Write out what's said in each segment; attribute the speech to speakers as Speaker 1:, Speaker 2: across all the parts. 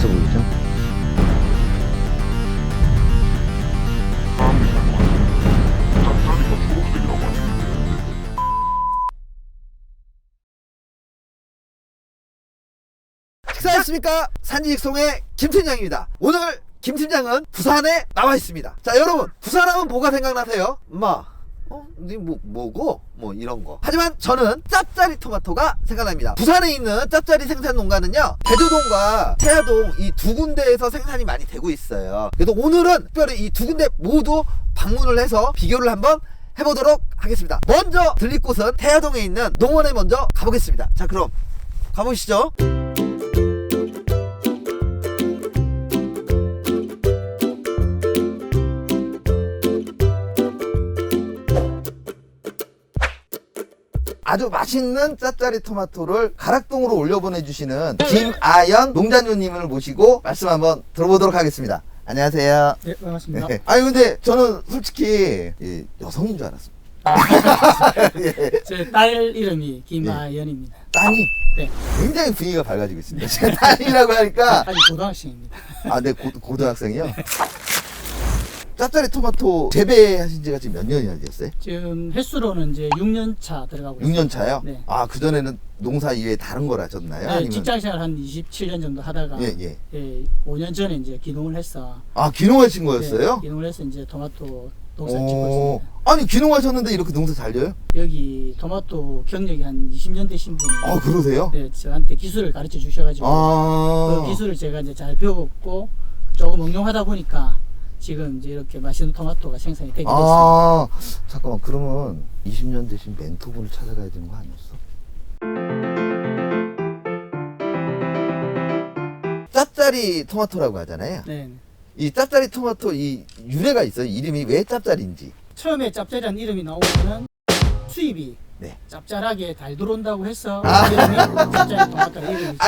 Speaker 1: 맛있어 보이죠? 식사했습니까? 산지직송의 김팀장입니다. 오늘 김팀장은 부산에 나와 있습니다. 자, 여러분, 부산하면 뭐가 생각나세요? 뭐고? 뭐 이런 거. 하지만 저는 짭짜리 토마토가 생각납니다. 부산에 있는 짭짜리 생산 농가는요, 대조동과 태화동 이 두 군데에서 생산이 많이 되고 있어요. 그래서 오늘은 특별히 이 두 군데 모두 방문을 해서 비교를 한번 해보도록 하겠습니다. 먼저 들릴 곳은 태화동에 있는 농원에 먼저 가보겠습니다. 자, 그럼 가보시죠. 아주 맛있는 짭짜리 토마토를 가락동으로 올려보내주시는 김아연 농장주님을 모시고 말씀 한번 들어보도록 하겠습니다. 안녕하세요.
Speaker 2: 네, 반갑습니다.
Speaker 1: 네. 아니 근데 저는 솔직히 여성인 줄 알았습니다. 예.
Speaker 2: 제 딸 이름이 김아연입니다.
Speaker 1: 따님
Speaker 2: 네,
Speaker 1: 굉장히 분위기가 밝아지고 있습니다. 제가 딸이라고 하니까
Speaker 2: 아직 고등학생입니다.
Speaker 1: 네, 고등학생이요? 짭짜리 토마토 재배하신 지가 지금 몇 년이나 되었어요?
Speaker 2: 지금 횟수로는 이제 6년 차 들어가고
Speaker 1: 6년 차요?
Speaker 2: 네.
Speaker 1: 그전에는 농사 이외에 다른 걸 하셨나요?
Speaker 2: 네,
Speaker 1: 아니면?
Speaker 2: 직장생활 한 27년 정도 하다가
Speaker 1: 예.
Speaker 2: 5년 전에 이제 기농을 해서
Speaker 1: 귀농하신 거였어요?
Speaker 2: 네, 기농을 해서 이제 토마토 농사를 짓고 있습니다.
Speaker 1: 아니 귀농하셨는데 이렇게 농사 잘 져요?
Speaker 2: 여기 토마토 경력이 한 20년 되신 분이
Speaker 1: 그러세요?
Speaker 2: 네, 저한테 기술을 가르쳐 주셔가지고 그 기술을 제가 이제 잘 배웠고 조금 응용하다 보니까 지금 이제 이렇게 맛있는 토마토가 생산이 되게 됐습니다.
Speaker 1: 잠깐만, 그러면 20년 되신 멘토분을 찾아가야 되는 거 아니었어? 짭짜리 토마토라고 하잖아요.
Speaker 2: 네.
Speaker 1: 이 짭짜리 토마토 이 유래가 있어요. 이름이 왜 짭짜리인지.
Speaker 2: 처음에 짭짜리라는 이름이 나오면은 수입이
Speaker 1: 네.
Speaker 2: 짭짤하게 잘 들어온다고 해서 이름이 짭짜리 토마토가 이름이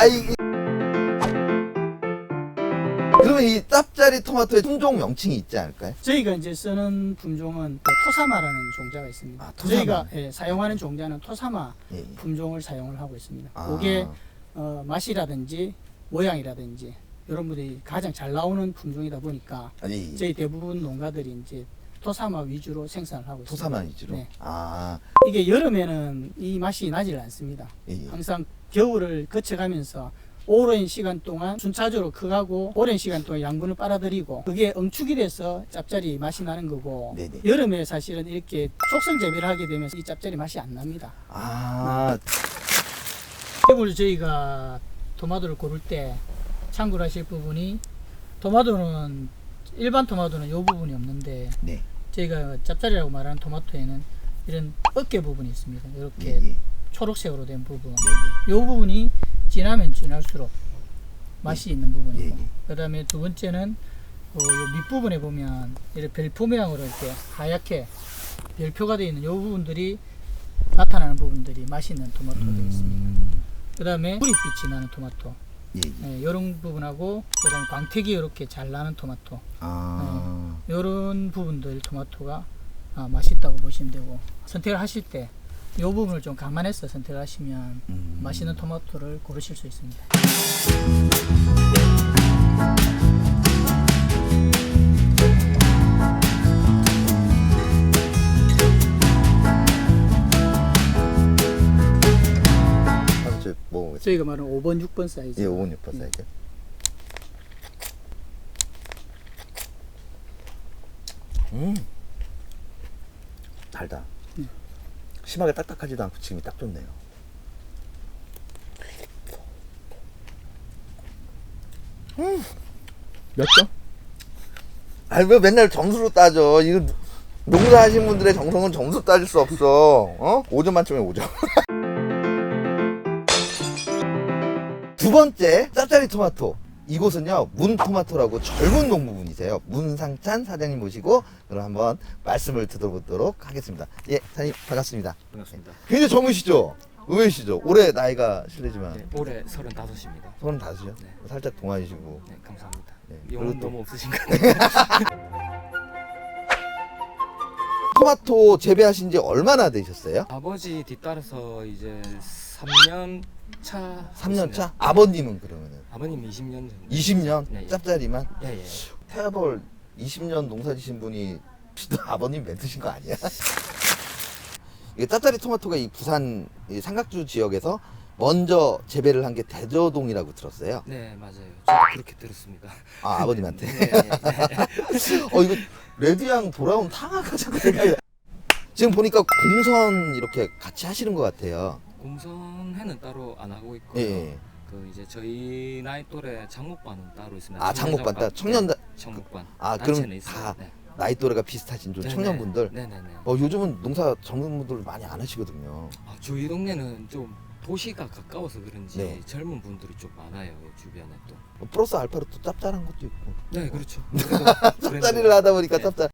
Speaker 1: 그러면 이 짭짜리 토마토의 품종 명칭이 있지 않을까요?
Speaker 2: 저희가 이제 쓰는 품종은 토사마라는 종자가 있습니다.
Speaker 1: 토사마.
Speaker 2: 저희가 사용하는 종자는 토사마
Speaker 1: 예.
Speaker 2: 품종을 사용을 하고 있습니다. 그게 맛이라든지 모양이라든지 이런 분들이 가장 잘 나오는 품종이다 보니까 저희 대부분 농가들이 이제 토사마 위주로 생산을 하고 있습니다.
Speaker 1: 토사마 위주로?
Speaker 2: 네.
Speaker 1: 이게
Speaker 2: 이게 여름에는 이 맛이 나질 않습니다.
Speaker 1: 예.
Speaker 2: 항상 겨울을 거쳐가면서 오랜 시간 동안 순차적으로 크고 오랜 시간 동안 양분을 빨아들이고 그게 응축이 돼서 짭짜리 맛이 나는 거고
Speaker 1: 네네.
Speaker 2: 여름에 사실은 이렇게 속성 재배를 하게 되면서 이 짭짜리 맛이 안 납니다. 오늘 저희가 토마토를 고를 때 참고를 하실 부분이 토마토는 일반 토마토는 이 부분이 없는데
Speaker 1: 네.
Speaker 2: 저희가 짭짜리라고 말하는 토마토에는 이런 어깨 부분이 있습니다. 이렇게
Speaker 1: 네.
Speaker 2: 초록색으로 된 부분. 이 부분이 진하면 진할수록 맛이 있는 부분이고, 그 다음에 두 번째는 요 밑부분에 보면 이렇게 별표 모양으로 이렇게 하얗게 별표가 되어 있는 이 부분들이 나타나는 부분들이 맛있는 토마토가 되겠습니다. 그 다음에 뿌리빛이 나는 토마토, 이런 부분하고 그 다음에 광택이 이렇게 잘 나는 토마토, 이런 부분들 토마토가 맛있다고 보시면 되고, 선택을 하실 때 이 부분을 좀 감안해서 선택을 하시면 맛있는 토마토를 고르실 수 있습니다. 저희가 말하는 5번, 6번 사이즈.
Speaker 1: 5번, 6번 사이즈. 달다. 심하게 딱딱하지도 않고 지금이 딱 좋네요. 몇 점? 왜 맨날 점수로 따져? 이거 농사하신 분들의 정성은 점수 따질 수 없어. 5점 만점에 5점. 두 번째 짭짜리 토마토. 이곳은요 문토마토라고 젊은 농부분이세요. 문상찬 사장님 모시고 그럼 한번 말씀을 들어보도록 하겠습니다. 예, 사장님 반갑습니다.
Speaker 3: 반갑습니다.
Speaker 1: 굉장히 젊으시죠? 의외시죠? 올해 나이가 실례지만
Speaker 3: 네, 올해 35입니다.
Speaker 1: 35이요?
Speaker 3: 네.
Speaker 1: 살짝 동안이시고.
Speaker 3: 네, 감사합니다.
Speaker 1: 네,
Speaker 3: 용은
Speaker 1: 그리고 또
Speaker 3: 너무 없으신 것 같아요.
Speaker 1: 토마토 재배하신 지 얼마나 되셨어요?
Speaker 3: 아버지 뒤따라서 이제 3년 차.
Speaker 1: 3년 차? 아버님은 그러면은
Speaker 3: 아버님 20년 정도.
Speaker 1: 20년?
Speaker 3: 네, 예.
Speaker 1: 짭짜리만?
Speaker 3: 예.
Speaker 1: 태아벌 20년 농사 지신 분이 아버님 멘트신 거 아니야? 이게 짭짜리 토마토가 이 부산 이 삼각주 지역에서 먼저 재배를 한 게 대저동이라고 들었어요.
Speaker 3: 네, 맞아요. 저도 그렇게 들었습니다.
Speaker 1: 아, 아버님한테.
Speaker 3: 네.
Speaker 1: 이거 레드양 돌아온 탕화가 자꾸 생각이 나. 지금 보니까 공선 이렇게 같이 하시는 것 같아요.
Speaker 3: 공선회는 따로 안 하고 있고요.
Speaker 1: 예.
Speaker 3: 그 이제 저희 나이 또래 장목반은 따로 있습니다.
Speaker 1: 아, 장목반 따 청년
Speaker 3: 네, 장목반.
Speaker 1: 아,
Speaker 3: 단체는
Speaker 1: 그럼
Speaker 3: 있어요.
Speaker 1: 다
Speaker 3: 네.
Speaker 1: 나이 또래가 비슷하신 좀
Speaker 3: 네네.
Speaker 1: 청년분들.
Speaker 3: 네네네.
Speaker 1: 요즘은 농사 젊은 분들 많이 안 하시거든요.
Speaker 3: 아, 저희 동네는 좀 도시가 가까워서 그런지
Speaker 1: 네.
Speaker 3: 젊은 분들이 좀 많아요. 주변에 또.
Speaker 1: 플러스 알파로 또 짭짤한 것도 있고.
Speaker 3: 네, 그렇죠.
Speaker 1: 짭짜리를 하다 보니까
Speaker 3: 네.
Speaker 1: 짭짤.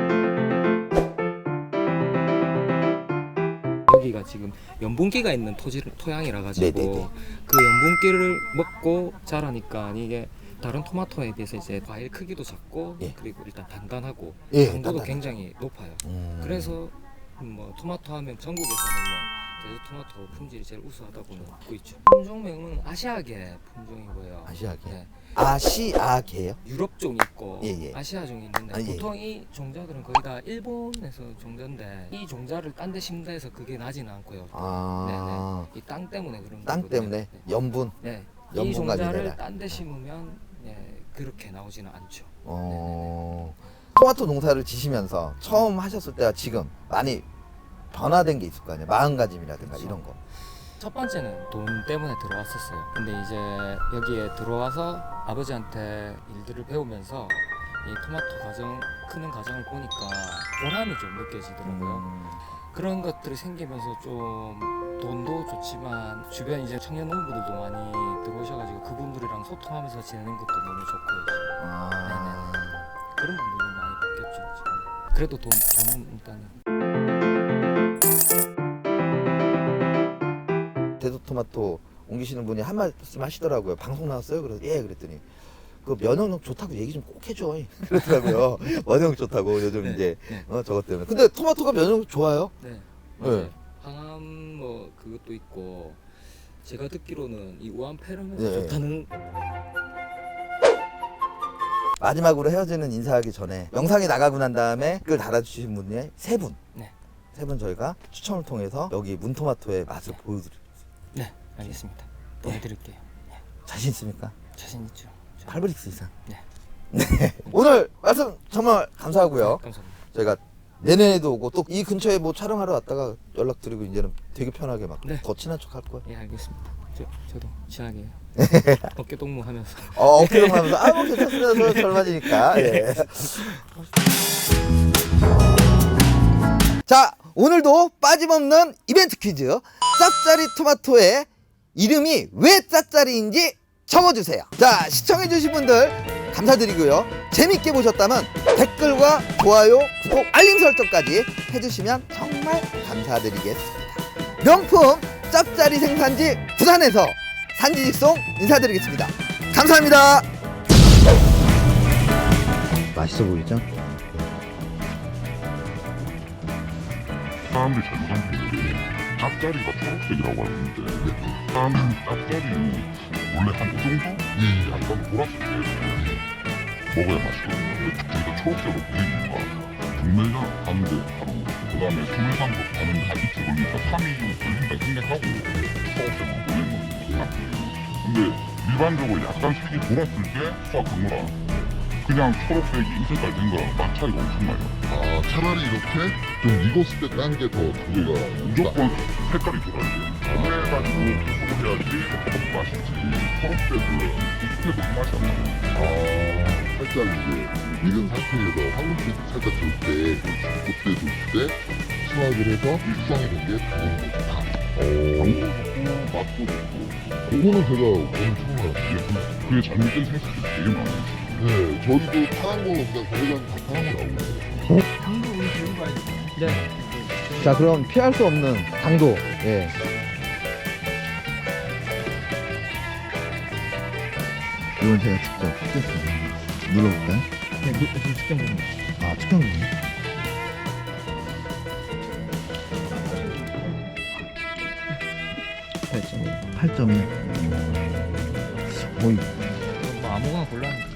Speaker 3: 여기가 지금 연분기가 있는 토양이라 가지고
Speaker 1: 네네네.
Speaker 3: 그 연분기를 먹고 자라니까 이게 다른 토마토에 비해서 이제 과일 크기도 작고
Speaker 1: 예.
Speaker 3: 그리고 일단 단단하고
Speaker 1: 예,
Speaker 3: 당도도
Speaker 1: 단단하죠.
Speaker 3: 굉장히 높아요. 그래서 뭐 토마토 하면 전국에서는 뭐 대저 토마토 품질이 제일 우수하다고는 알고 있죠. 품종명은 아시아계 품종이고요.
Speaker 1: 아시아계.
Speaker 3: 네.
Speaker 1: 아시아계요?
Speaker 3: 유럽종이 있고
Speaker 1: 예.
Speaker 3: 아시아종이 있는데
Speaker 1: 아, 예.
Speaker 3: 보통 이 종자들은 거의 다 일본에서 종자인데 이 종자를 딴 데 심다 해서 그게 나지는 않고요.
Speaker 1: 아,
Speaker 3: 이 땅 때문에 그런
Speaker 1: 땅
Speaker 3: 거거든요.
Speaker 1: 때문에
Speaker 3: 네.
Speaker 1: 염분.
Speaker 3: 네. 이
Speaker 1: 연분과
Speaker 3: 종자를
Speaker 1: 미네랄.
Speaker 3: 딴 데 심으면 그렇게 나오지는 않죠.
Speaker 1: 토마토 농사를 지시면서 처음 하셨을 때와 지금 많이 변화된 게 있을 거 아니에요. 마음가짐이라든가
Speaker 3: 그렇죠.
Speaker 1: 이런 거.
Speaker 3: 첫 번째는 돈 때문에 들어왔었어요. 근데 이제 여기에 들어와서 아버지한테 일들을 배우면서 이 토마토 과정, 크는 과정을 보니까 보람이 좀 느껴지더라고요. 그런 것들이 생기면서 좀 돈도 좋지만 주변 이제 청년 농부들도 많이 들어오셔가지고 그분들이랑 소통하면서 지내는 것도 너무 좋고요.
Speaker 1: 아,
Speaker 3: 그런 부분이 많이 바뀌었죠. 지금. 그래도 돈은 일단은.
Speaker 1: 대도토마토 옮기시는 분이 한 말씀 하시더라고요. 방송 나왔어요? 그래서 예, 그랬더니 그 면역력 좋다고 얘기 좀 꼭 해줘. 그러더라고요. 면역력 좋다고 요즘
Speaker 3: 네,
Speaker 1: 이제
Speaker 3: 네.
Speaker 1: 저것 때문에. 근데 토마토가 면역력 좋아요?
Speaker 3: 네,
Speaker 1: 네.
Speaker 3: 맞아요. 항암 뭐 그것도 있고 제가 듣기로는 이 우암페럼에서
Speaker 1: 네.
Speaker 3: 좋다는.
Speaker 1: 마지막으로 헤어지는 인사하기 전에 영상이 나가고 난 다음에 댓글 달아주신 분이 세 분.
Speaker 3: 네.
Speaker 1: 세 분 저희가 추첨을 통해서 여기 문토마토의 맛을 보여드릴게요.
Speaker 3: 네, 알겠습니다. 보내드릴게요.
Speaker 1: 자신 있습니까?
Speaker 3: 자신 있죠.
Speaker 1: 8브릭스 이상.
Speaker 3: 네.
Speaker 1: 네. 오늘 말씀 정말 감사하고요.
Speaker 3: 감사합니다.
Speaker 1: 저희가 내년에도 오고 또 이 근처에 뭐 촬영하러 왔다가 연락드리고 이제는 되게 편하게 막
Speaker 3: 네.
Speaker 1: 더 친한 척 할 거야.
Speaker 3: 예, 알겠습니다. 저도 친하게 어깨 동무하면서.
Speaker 1: 어깨동 하면서 뭐 괜찮습니다. 절반이니까. 예. 자, 오늘도 빠짐없는 이벤트 퀴즈. 짭짜리 토마토의 이름이 왜 짭짜리인지 적어주세요. 자, 시청해주신 분들 감사드리고요. 재밌게 보셨다면 댓글과 좋아요, 구독, 알림 설정까지 해주시면 정말 감사드리겠습니다. 명품 짭짜리 생산지 부산에서 산지직송 인사드리겠습니다. 감사합니다. 맛있어 보이죠?
Speaker 4: 사람들이 잘못한 게 짭짜리가 초록색이라고 하는데 사람들은 짭짜리는 원래 한 이 정도? 약간 보랐을 때 먹어야 맛있거든요. 근데 저희가 초록색으로 보이는 이유가 경매장 가는데 바로 그 다음에 수매상도 가는데 한 이틀 걸리니까 3일 걸린다 생각하고 초록색으로 보내는 거예요. 근데 일반적으로 약간 색이 돌았을 때 수확 경로라 그냥 초록색이 이 색깔 된 거랑 맛 차이가 엄청나요.
Speaker 5: 아, 차라리 이렇게 좀 익었을 때 딴 게 더 저희가
Speaker 4: 무조건 색깔이 돌아야 돼요. 그래가지고 계속 해야지 맛있지. 초록색은 익혀도 그 맛이 안 나요.
Speaker 5: 살짝 이제 익은 상태에서 황금빛 살짝 돌 때, 그때 돌 때 수확을 해서 숙성이 된 게 당근 좋다.
Speaker 4: 당도 좋고 맛도 좋고
Speaker 5: 그거는 제가 오늘 처음 알았어요.
Speaker 4: 그게 잘못된 생각이 되게 많아요.
Speaker 5: 네, 저희도 파란 거는 그냥 거기가 다 파란 거 나오고.
Speaker 2: 당도 우리 들고 가야 돼.
Speaker 3: 네.
Speaker 1: 자, 그럼 피할 수 없는 당도. 예. 이건 제가 직접 찍겠습니다. 눌러볼까요?
Speaker 3: 네, 지금 직접 보는 거.
Speaker 1: 아, 측정기네.
Speaker 3: 네, 지금
Speaker 1: 8점이요. 어이,
Speaker 3: 뭐 아무거나 골랐는데